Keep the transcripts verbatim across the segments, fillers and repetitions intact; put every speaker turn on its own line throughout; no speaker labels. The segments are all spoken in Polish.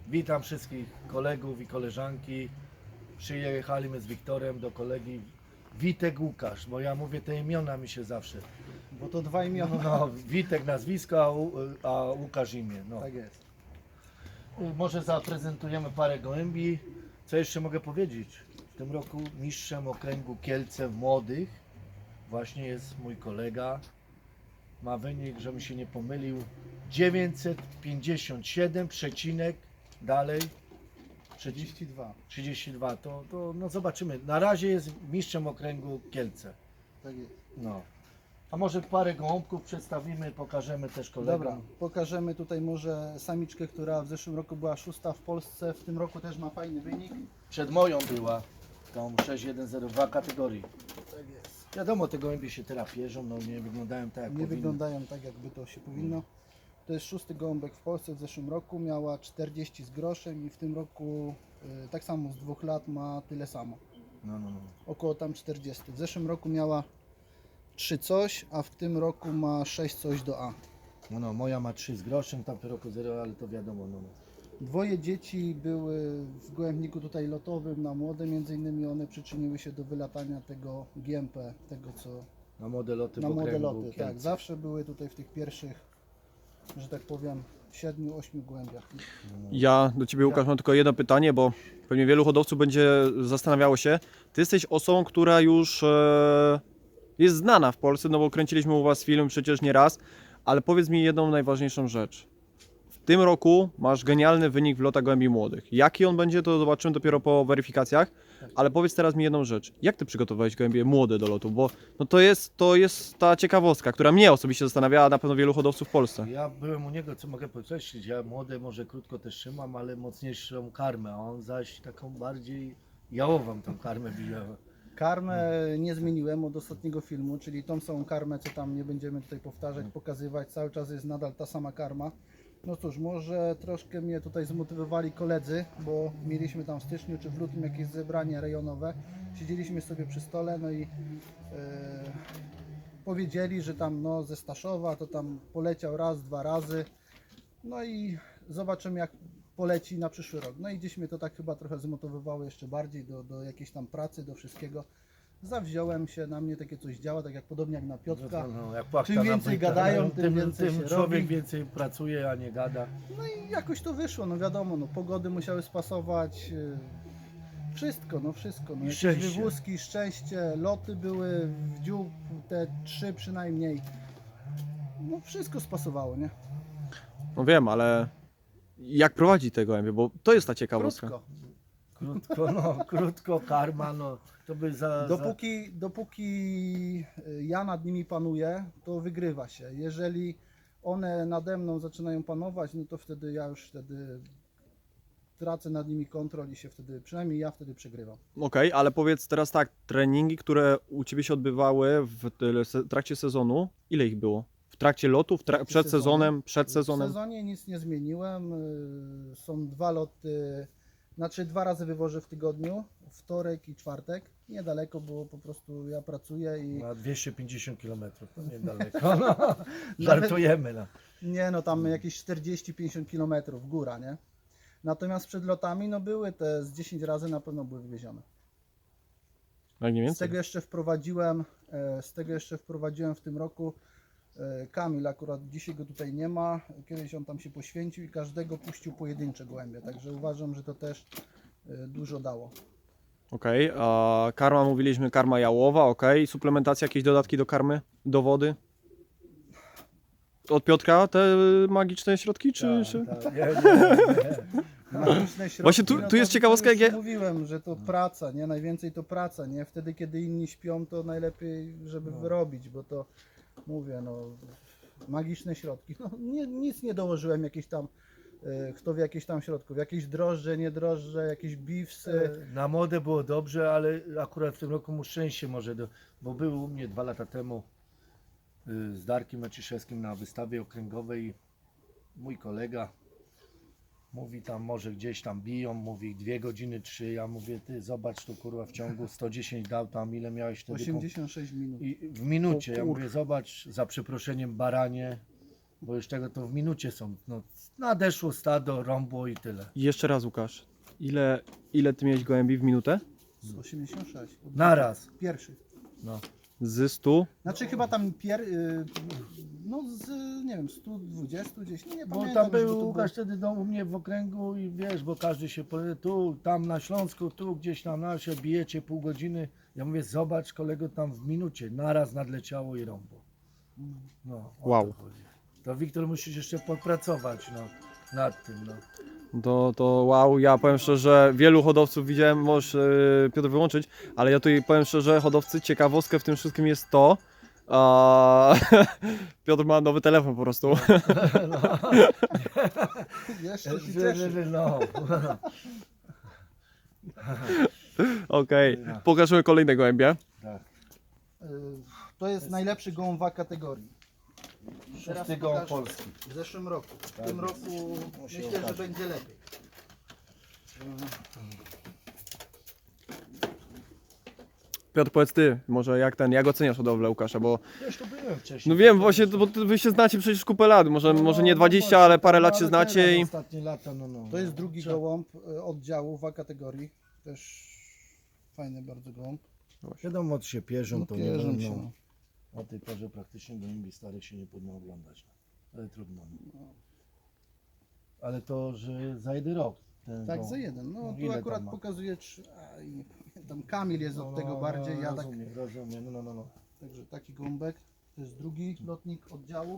Witam wszystkich kolegów i koleżanki. Przyjechaliśmy z Wiktorem do kolegi Witek Łukasz, bo ja mówię te imiona mi się zawsze.
Bo to dwa imiona.
No, Witek nazwisko, a, Ł- a Łukasz imię. No.
Tak jest.
Może zaprezentujemy parę gołębi. Co jeszcze mogę powiedzieć? W tym roku mistrzem okręgu Kielce w młodych właśnie jest mój kolega. Ma wynik, żebym się nie pomylił, dziewięćset pięćdziesiąt siedem przecinek dalej
trzydzieści dwa.
trzydzieści dwa. To, to no zobaczymy. Na razie jest mistrzem okręgu Kielce.
Tak jest.
No. A może parę gołąbków przedstawimy, pokażemy też kolegom.
Dobra, pokażemy tutaj może samiczkę, która w zeszłym roku była szósta w Polsce. W tym roku też ma fajny wynik.
Przed moją była tą sześć jeden zero dwa kategorii.
Tak jest.
Wiadomo, te gołębie się teraz pierzą, no nie wyglądają tak jak
Nie
powinny.
wyglądają tak, jakby to się powinno. To jest szósty gołąbek w Polsce. W zeszłym roku miała czterdzieści z groszem i w tym roku y, tak samo z dwóch lat ma tyle samo.
No, no, no.
Około tam czterdzieści. W zeszłym roku miała trzy coś, a w tym roku ma sześć coś do A.
No, no, moja ma trzy z groszem, tamty roku zero, ale to wiadomo. No, no.
Dwoje dzieci były w gołębniku tutaj lotowym na młode, między innymi one przyczyniły się do wylatania tego G M P, tego co
Na młode loty
na
w
młode
okręgu
loty.
Kielce.
Tak, zawsze były tutaj w tych pierwszych, że tak powiem, siedmiu, ośmiu gołębiach.
Ja do Ciebie, Łukasz, mam tylko jedno pytanie, bo pewnie wielu hodowców będzie zastanawiało się. Ty jesteś osobą, która już e, jest znana w Polsce, no bo kręciliśmy u Was film przecież nie raz, ale powiedz mi jedną najważniejszą rzecz. W tym roku masz genialny wynik w lotach gołębi młodych. Jaki on będzie, to zobaczymy dopiero po weryfikacjach, ale powiedz teraz mi jedną rzecz. Jak Ty przygotowałeś gołębie młode do lotu? Bo no to, jest, to jest ta ciekawostka, która mnie osobiście zastanawia, a na pewno wielu hodowców w Polsce.
Ja byłem u niego, co mogę podkreślić, ja młode może krótko też trzymam, ale mocniejszą karmę, a on zaś taką bardziej jałową tą karmę bijał.
Karmę nie zmieniłem od ostatniego filmu, czyli tą samą karmę, co tam nie będziemy tutaj powtarzać, pokazywać, cały czas jest nadal ta sama karma. No cóż, może troszkę mnie tutaj zmotywowali koledzy, bo mieliśmy tam w styczniu czy w lutym jakieś zebranie rejonowe. Siedzieliśmy sobie przy stole, no i e, powiedzieli, że tam no ze Staszowa to tam poleciał raz, dwa razy. No i zobaczymy jak poleci na przyszły rok. No i gdzieś mnie to tak chyba trochę zmotywowało jeszcze bardziej do, do jakiejś tam pracy, do wszystkiego. Zawziąłem się, na mnie takie coś działa, tak jak podobnie jak na Piotrka.
No, no, jak płachta
Czym
na
więcej
płytę,
gadają, tym więcej
tym
się
człowiek
robi.
więcej pracuje, a nie gada.
No i jakoś to wyszło, no wiadomo, no pogody musiały spasować, yy, wszystko, no wszystko, no
I
jakieś
szczęście.
wywózki, szczęście, loty były w dziób, te trzy przynajmniej, no wszystko spasowało, nie?
No wiem, ale jak prowadzi te gołębie, bo to jest ta ciekawostka.
Krótko.
Krótko, no, krótko, karma, no, to by za...
Dopóki, dopóki ja nad nimi panuję, to wygrywa się. Jeżeli one nade mną zaczynają panować, no to wtedy ja już wtedy tracę nad nimi kontrol i się wtedy, przynajmniej ja wtedy przegrywam.
Okej, ale powiedz teraz tak, treningi, które u Ciebie się odbywały w tyle- se- trakcie sezonu, ile ich było? W trakcie lotu, w tra-
trakcie
przed
sezonu.
sezonem, przed
W
sezonem?
sezonie nic nie zmieniłem. y, Są dwa loty, znaczy dwa razy wywożę w tygodniu, wtorek i czwartek. Niedaleko, bo po prostu ja pracuję i
Na dwieście pięćdziesiąt kilometrów, to niedaleko. No, żartujemy. No.
nie no, tam jakieś czterdzieści pięćdziesiąt kilometrów góra, nie? Natomiast przed lotami, no były te z dziesięć razy na pewno były wywiezione.
Jak nie
Z
więcej?
tego jeszcze wprowadziłem, e, z tego jeszcze wprowadziłem w tym roku e, Kamil, akurat dzisiaj go tutaj nie ma, kiedyś on tam się poświęcił i każdego puścił pojedyncze gołębie, także uważam, że to też e, dużo dało.
Okej, a karma mówiliśmy, karma jałowa, okej. Suplementacja, jakieś dodatki do karmy, do wody? Od Piotrka te magiczne środki, czy...
Tak,
czy...
tak, nie, nie, nie.
Magiczne środki,
Właśnie tu-
no
tu jest
to-
ciekawostka,
to już
jak ja-
mówiłem, że to praca, nie? Najwięcej to praca, nie? Wtedy, kiedy inni śpią, to najlepiej, żeby
No.
wyrobić, bo to, mówię, no, magiczne środki. No, nie, nic nie dołożyłem, jakieś tam, e, kto wie, jakieś tam środków, jakieś drożdże, nie drożdże, jakieś beefsy.
Na modę było dobrze, ale akurat w tym roku mu szczęście może, do, bo był u mnie dwa lata temu y, z Darkiem Maciszewskim na wystawie okręgowej. Mój kolega mówi tam, może gdzieś tam biją, mówi dwie godziny, trzy. Ja mówię, ty zobacz tu kurwa w ciągu sto dziesięć dał tam, ile miałeś wtedy?
osiemdziesiąt sześć minut.
I w minucie,
O
ja
kur-
mówię, zobacz, za przeproszeniem baranie, bo już tego to w minucie są. No, nadeszło stado, rąbło i tyle.
I jeszcze raz Łukasz, ile, ile ty miałeś gołębi w minutę?
Z osiemdziesiąt sześć.
Naraz.
Pierwszy.
No.
Z stu?
Znaczy chyba tam pier... y, no z, nie wiem, sto dwadzieścia gdzieś, no nie
Bo
pamiętam.
tam
już, bo
był
to
Łukasz wtedy no, u mnie w okręgu i wiesz, bo każdy się powie, tu, tam na Śląsku, tu gdzieś tam na się bijecie pół godziny. Ja mówię, zobacz kolego, tam w minucie naraz nadleciało i rąbło. No, o
Wow.
to chodzi. To Wiktor musisz jeszcze popracować no, nad tym. No.
To, to wow, ja powiem szczerze, wielu hodowców widziałem, możesz yy, Piotr wyłączyć, ale ja tutaj powiem szczerze, hodowcy, ciekawostkę w tym wszystkim jest to, a Piotr ma nowy telefon po prostu.
No.
Jeszcze się
Że-
cieszę.
że- no.
Okej, pokażemy kolejne gołębie.
Tak.
Y, To jest najlepszy gołąb w kategorii. Teraz
Szósty gołąb
pokażę.
polski.
W zeszłym roku. W
Tak
tym
jest.
roku
Musi
myślę, że
okazać.
będzie lepiej.
Piotr, powiedz ty, może jak ten, jak oceniasz hodowlę Łukasza, bo
Wiesz, to byłem wcześniej.
no wiem właśnie, bo ty- wy się znacie przecież kupę lat, może,
No,
może nie
no
dwadzieścia,
właśnie,
ale parę
no,
lat się
ale
znacie
teraz
i...
Ostatnie lata, no, no.
To jest drugi
Trzeba-
gołąb y, oddziału w kategorii. Też fajny bardzo gołąb.
Wiadomo, od się pierzą,
No
to
pierzą
nie
się.
będą.
No.
O tej porze praktycznie gołębi starych się nie powinno oglądać. No. Ale trudno. No. Ale to, że za jeden rok. Ten
Tak,
gołąb.
za jeden. No tu
ile
akurat
tam ma?
pokazuje, trzy, a, i nie pamiętam, Kamil jest
No,
od
no,
tego bardziej,
no,
ja tak.
rozumiem, rozumiem, no, no, no, no.
Także taki gołąbek. To jest drugi lotnik oddziału.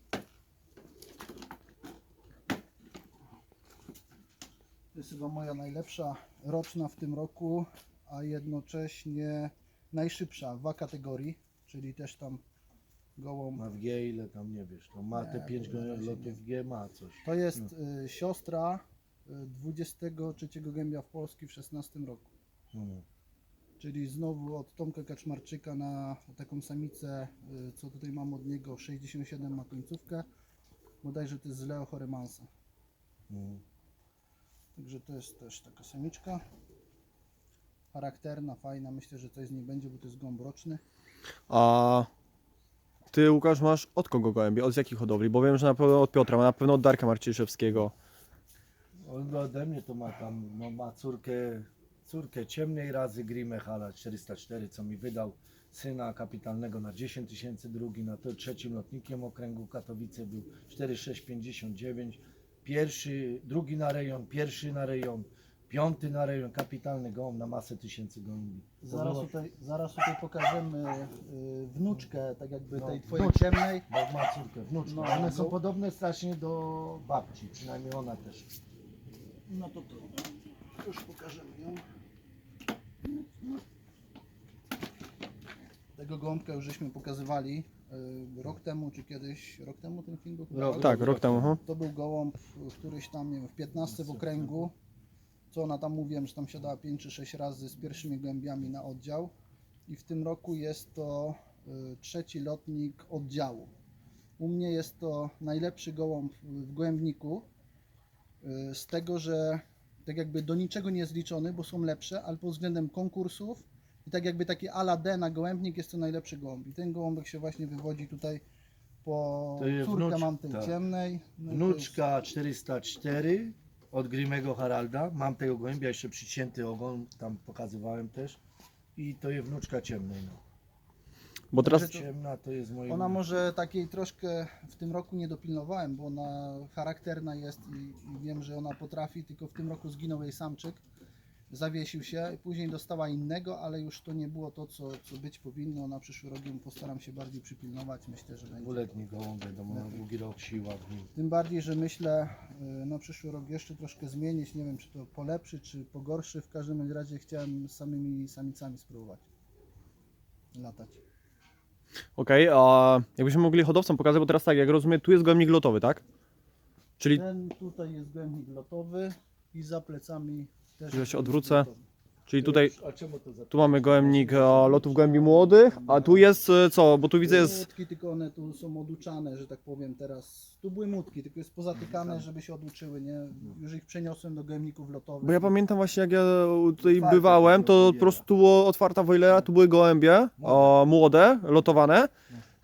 To jest chyba moja najlepsza roczna w tym roku, a jednocześnie najszybsza w A kategorii, czyli też tam gołąb.
Ma w G ile tam nie wiesz, to ma
Nie,
te pięć
to na razie
lotów
nie.
w G, ma coś.
To jest y, siostra y, dwudziestego trzeciego gębia w Polski w szesnastym roku.
No, no.
Czyli znowu od Tomka Kaczmarczyka na taką samicę, y, co tutaj mam od niego, sześćdziesiąt siedem ma końcówkę. Bodajże to jest z Leo Horemansa.
No.
Także to jest też taka samiczka. Charakterna, fajna. Myślę, że coś z niej będzie, bo to jest gołąb roczny.
A ty Łukasz masz od kogo gołębie, od jakich hodowli? Bo wiem, że na pewno od Piotra, na pewno od Darka Marciszewskiego.
On ode mnie to ma tam, no ma córkę, córkę ciemnej razy Grimme Hala czterysta cztery, co mi wydał syna kapitalnego na dziesięć tysięcy, drugi na to trzecim lotnikiem okręgu Katowice był cztery sześć pięćdziesiąt dziewięć, pierwszy, drugi na rejon, pierwszy na rejon, piąty na rejon, kapitalny gołąb na masę tysięcy gołębi. To
Zaraz
było-
tutaj, zaraz tutaj pokażemy y, wnuczkę, tak jakby
No,
tej twojej
wnuczkę.
ciemnej.
Bo ma córkę, wnuczkę.
No,
One są
no.
podobne strasznie do babci, przynajmniej ona też.
No to to już pokażemy ją. Tego gołąbka już żeśmy pokazywali y, rok temu, czy kiedyś, rok temu ten film był? chyba?
Rok.
Tak, rok temu. aha.
To był gołąb, y, któryś tam, nie wiem, w piętnastym w okręgu. Co ona tam, mówiłem, że tam siadała pięć czy sześć razy z pierwszymi gołębiami na oddział. I w tym roku jest to y, trzeci lotnik oddziału. U mnie jest to najlepszy gołąb w gołębniku. y, Z tego, że tak jakby do niczego nie jest liczony, bo są lepsze, ale pod względem konkursów i tak jakby taki ala D na gołębnik jest to najlepszy gołąb. I ten gołąbek się właśnie wywodzi tutaj po
To jest
córkę
wnucz-
mam tej
tak.
ciemnej. No i to
Wnuczka czterysta cztery od Grimmego Haralda. Mam tego gołębia, jeszcze przycięty ogon, tam pokazywałem też. I to jest wnuczka ciemnej. No.
Bo teraz
Także
Ciemna to jest moje.
Ona może takiej troszkę w tym roku nie dopilnowałem, bo ona charakterna jest i, i wiem, że ona potrafi, tylko w tym roku zginął jej samczyk, zawiesił się, później dostała innego, ale już to nie było to, co, co być powinno. Na przyszły rok ją postaram się bardziej przypilnować, myślę, że będzie.
Dwuletni gołąb, wiadomo, na długi rok siła w nim.
Tym bardziej, że myślę y, na przyszły rok jeszcze troszkę zmienić, nie wiem czy to polepszy, czy pogorszy, w każdym razie chciałem z samymi samicami spróbować latać.
okej, a jakbyśmy mogli hodowcom pokazać, bo teraz tak, jak rozumiem, tu jest gołębnik lotowy, tak? Czyli
Ten tutaj jest gołębnik lotowy i za plecami też.
Ja się
jest
odwrócę.
lotowy.
Czyli tutaj,
A czemu to za...
tu mamy gołębnik e, lotów gołębi młodych, a tu jest e, co? Bo tu widzę jest...
Młotki, tylko one tu są oduczane, że tak powiem teraz. Tu były młotki, tylko jest pozatykane, żeby się oduczyły, nie? Już ich przeniosłem do gołębników lotowych.
Bo ja pamiętam właśnie jak ja tutaj
Otwarte
bywałem,
to
to
było
po prostu było otwarta wojlera, tu były gołębie o, młode, lotowane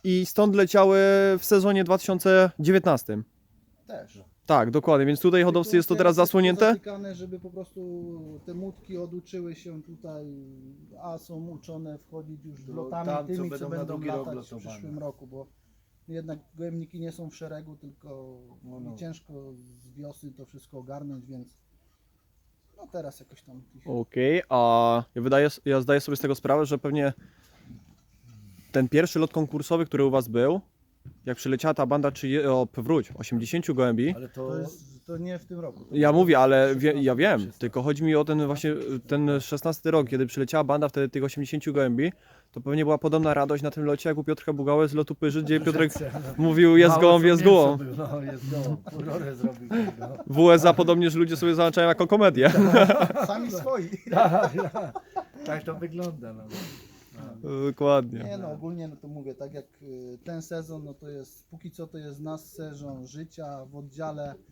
i stąd leciały w sezonie dwa tysiące dziewiętnastym.
Też.
Tak, dokładnie, więc tutaj hodowcy jest to teraz zasłonięte.
Zatykane, żeby po prostu te mutki oduczyły się tutaj, a są uczone wchodzić już
To
lotami
tam, co
tymi,
będą
co
na
będą
drugi rok
latać w
lotowane.
przyszłym roku, bo jednak gołębniki nie są w szeregu, tylko
No, no.
i ciężko z wiosny to wszystko ogarnąć, więc no teraz jakoś tam ich...
Okej, a ja, wydaję, ja zdaję sobie z tego sprawę, że pewnie ten pierwszy lot konkursowy, który u was był, jak przyleciała ta banda, czy o, wróć, osiemdziesięciu gołębi,
Ale to,
To, jest, to nie w tym roku. To
ja
jest
mówię, ale wie,
szesnasty,
ja wiem,
szesnasty.
tylko chodzi mi o ten właśnie, ten szesnasty rok, kiedy przyleciała banda wtedy tych osiemdziesięciu gołębi, to pewnie była podobna radość na tym locie, jak u Piotrka Bugały z lotu Pyży, gdzie Piotrek mówił, jest
Mało
gołąb,
co
jest
mięso
gołąb.
był, No, jest gołąb. Furorę zrobił. No.
W U S A podobnież ludzie sobie załączają jako komedię.
Sami swoi.
Tak, tak. Tak to wygląda. No.
Dokładnie.
Nie no, ogólnie no to mówię, tak jak y, ten sezon, no to jest, póki co to jest nasz sezon życia w oddziale. y,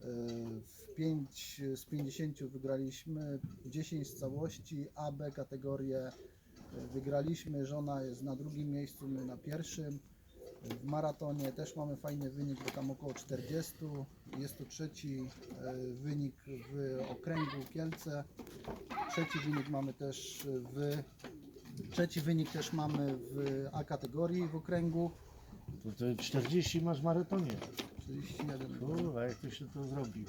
W pięć z pięćdziesięciu wygraliśmy dziesięć z całości, A B kategorię y, wygraliśmy, żona jest na drugim miejscu, my na pierwszym. W maratonie też mamy fajny wynik, bo tam około czterdziestu. Jest to trzeci y, wynik w okręgu Kielce. Trzeci wynik mamy też w Trzeci wynik też mamy w A kategorii w okręgu.
To, to czterdzieści masz w maratonie.
czterdzieści jeden.
Kurwa, jak to się to zrobił?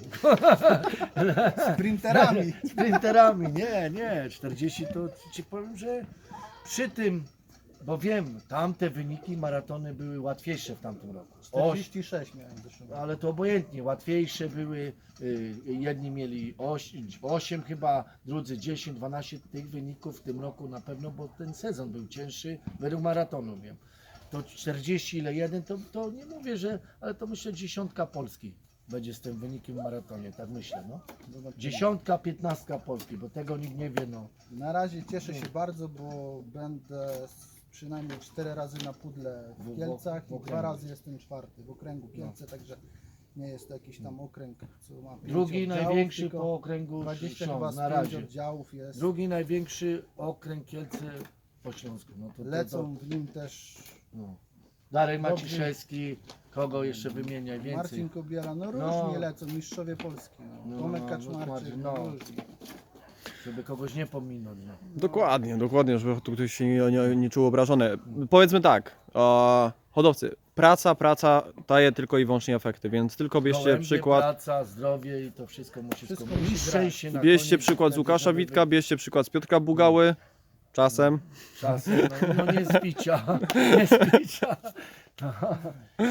Sprinterami.
Sprinterami, nie, nie. czterdzieści to ci powiem, że przy tym, bo wiem, tamte wyniki maratony były łatwiejsze w tamtym roku. Oś,
czterdzieści sześć miałem w zeszłym roku.
ale to obojętnie, łatwiejsze były. y, Jedni mieli osiem chyba, drudzy dziesięć, dwanaście tych wyników w tym roku na pewno, bo ten sezon był cięższy, według maratonu wiem. To czterdzieści ile jeden, to, to nie mówię, że, ale to myślę dziesiątka Polski będzie z tym wynikiem w maratonie, tak myślę, no.
Zobaczymy.
Dziesiątka, piętnastka Polski, bo tego nikt nie wie, no.
Na razie cieszę się bardzo, bo będę s- przynajmniej cztery razy na pudle
W-
w
w-
Kielcach
w
i
okręgu.
dwa razy jestem czwarty w okręgu Kielce, także nie jest to jakiś tam okręg, co ma pięć
Drugi
oddziałów,
największy
tylko
po okręgu
dwadzieścia chyba
Śląsk,
z
na
pięć
razie.
oddziałów jest.
Drugi największy okręg Kielce po Śląsku. No to, to,
Lecą w nim też
To, no. Darek
Dobry.
Maciszewski, kogo jeszcze wymieniaj więcej?
Marcin Kobiela, no różnie
No.
lecą, mistrzowie Polski, no.
No,
Tomek
no,
Kaczmarczyk,
Kaczmarczyk,
no.
no.
różnie.
Żeby kogoś nie pominąć. No.
Dokładnie, dokładnie, żeby tu ktoś się nie, nie, nie czuł obrażony. Powiedzmy tak, e, hodowcy, praca, praca daje tylko i wyłącznie efekty, więc tylko bierzcie
Gołębie,
przykład,
praca, zdrowie i to wszystko musi
Wszystko
skończyć.
musi
I szczęście na
bierzcie
koniec,
przykład z
będzie
Łukasza
dobry
Witka, bierzcie przykład z Piotrka Bugały, czasem.
Czasem, no, no nie z picia, nie z picia.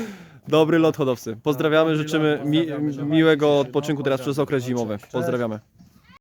Dobry lot hodowcy. Pozdrawiamy,
Dobry lot,
życzymy mi,
pozdrawiamy.
miłego
No,
odpoczynku teraz
pozdrawiam.
przez okres
No,
zimowy.
cześć.
Pozdrawiamy.